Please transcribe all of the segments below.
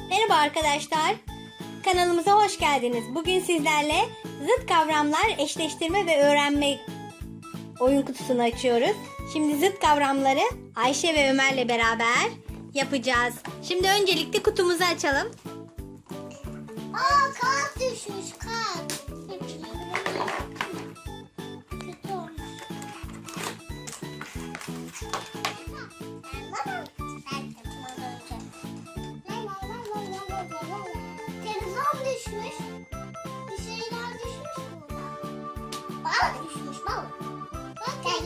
Merhaba arkadaşlar. Kanalımıza hoş geldiniz. Bugün sizlerle zıt kavramlar eşleştirme ve öğrenme oyun kutusunu açıyoruz. Şimdi zıt kavramları Ayşe ve Ömer'le beraber yapacağız. Şimdi öncelikle kutumuzu açalım. Kağıt düşmüş kağıt. Kötü olmuş. Televizyon düşmüş. Bir şeyler düşmüş burada. Balık düşmüş balık. Bak her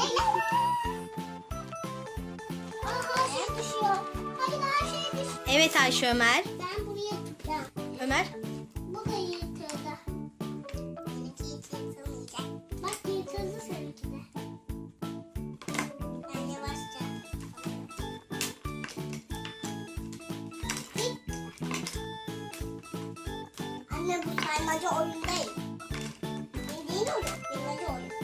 şey düşüyor. Hayır her şey düşüyor. Evet Ayşe, Ömer. Ben buraya tutacağım. Ömer. Bu da yırtıldı. Benimki hiç yırtılmayacak. Bak yırtıldı seninki de. Ben yavaşça. Anne bu saymaca oyun değil. Bildiğin oyun. Bilmece oyun.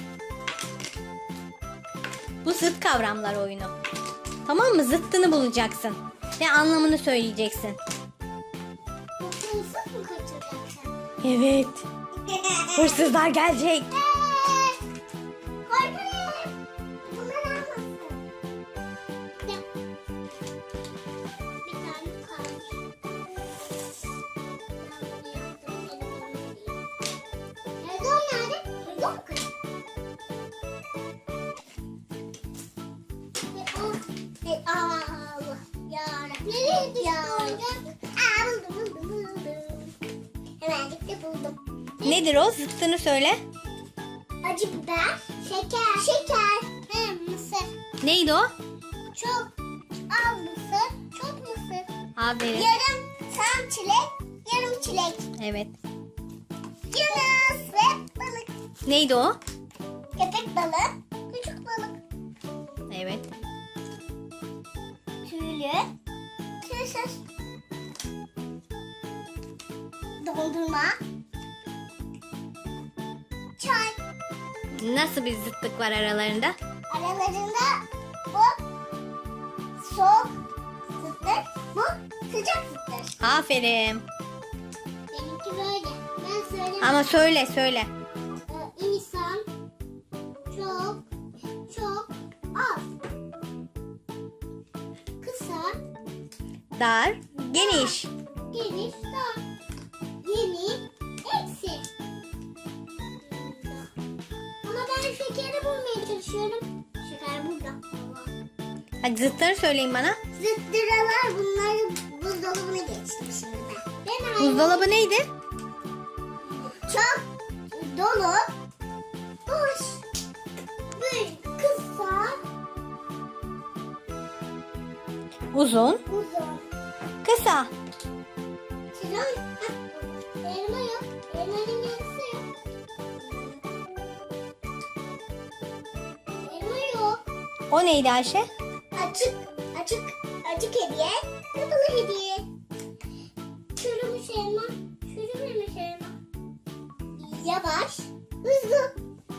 Bu zıt kavramlar oyunu. Tamam mı? Zıttını bulacaksın. Ve anlamını söyleyeceksin. Bu hırsız mı kaçıracaksın? Evet. Hırsızlar gelecek. Korkarım. Bunlar almasın. Bir tane kalmış. Televizyon nerede? Televizyon mu kırık? Allah. Yarabbim. Nereye düştü oyuncak? Buldum. Hemen gitti buldum. Nedir o? Zıttını söyle. Acı biber, şeker, mısır. Neydi o? Çok az mısır, çok mısır. Aferin. Yarım tam çilek, yarım çilek. Evet. Yunus ve balık. Neydi o? Köpek balığı, küçük balık. Evet. Tüylü, tüysüz. Dondurma. Çay. Nasıl bir zıtlık var aralarında? Aralarında bu soğuk zıttır, bu sıcak zıttır. Aferin. Benimki böyle. Ben söyleyeyim. Ama söyle. İnsan çok az. Kısa, Dar, geniş. geniş, dar. Yeni, eksi. Ama ben şekeri bulmaya çalışıyorum. Şeker burada. Hadi zıtları söyleyin bana. Zıttıralar bunları buzdolabına geçtim şimdi ben. Buzdolabı neydi? Çok dolu, boş, büyük, kısa, Uzun, uzun. kısa. Sinan, elma yok. Elmanın yarısı yok. Elma yok. O neydi Ayşe? Açık hediye, kapalı hediye. Çürümüş elma, çürümemiş elma. Yavaş, hızlı.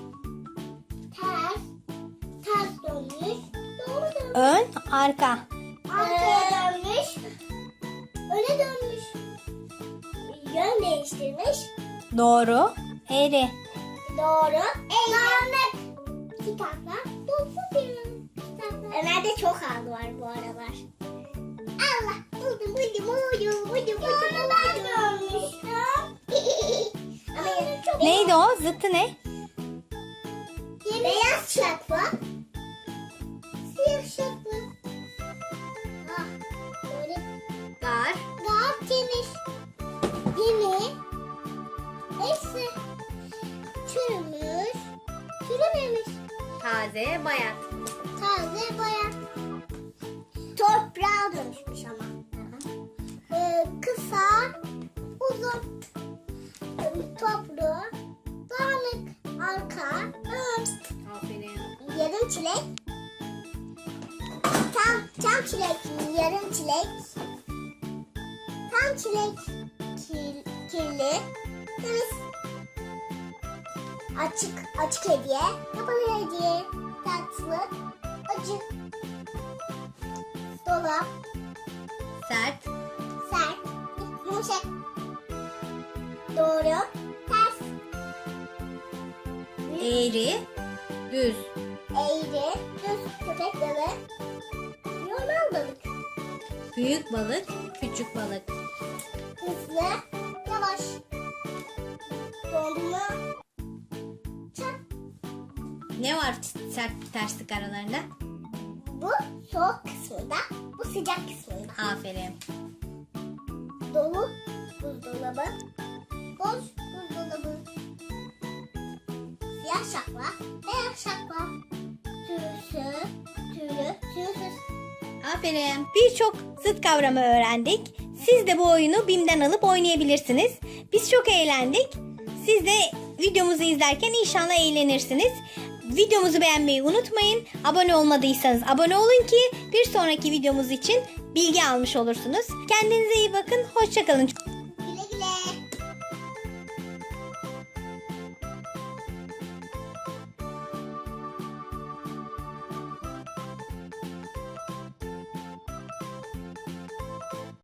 Ters dönmüş, doğru dönmüş. Ön, arka. Arkaya dönmüş, öne dönmüş. Yön değiştirmiş, Doğru, eğri. doğru. Dağınık. Kitaplar, dolu bir kitaplar. Ömer'de çok hal var bu aralar. Allah, buldum. Doğru ben görmüştüm. Ama Neydi o? Zıttı ne? Beyaz şapka. Siyah şapka. Ah, böyle Dar. daha temiz. Yeni. Eksi. Çürümüş. Çürümemiş. Taze, bayat. Taze boya. Toprağa dönüşmüş ama. Kısa. Uzun. Toplu. Dağınık. Arka. Ön. Aferin. Yarım çilek. Tam çilek. Yarım çilek. Tam çilek. Kirli. Temiz. Açık hediye. Kapalı hediye. Tatlı. Acı. Dolap. Sert. Sert. Yumuşak. Doğru. Ters. Eğri, düz. Eğri. Düz. Köpek balığı. Normal balık. Büyük balık, küçük balık. Hızlı. Yavaş. Dondurma. Çak. Ne var sert terslik aralarında? Bu soğuk kısmında. Bu sıcak kısmında. Aferin. Dolu buzdolabı. Boş buzdolabı. Siyah şapka. Beyaz şapka. Tüysüz. Tüylü. Tüysüz. Aferin. Birçok zıt kavramı öğrendik. Siz de bu oyunu BİM'den alıp oynayabilirsiniz. Biz çok eğlendik. Siz de videomuzu izlerken inşallah eğlenirsiniz. Videomuzu beğenmeyi unutmayın. Abone olmadıysanız abone olun ki bir sonraki videomuz için bilgi almış olursunuz. Kendinize iyi bakın. Hoşça kalın.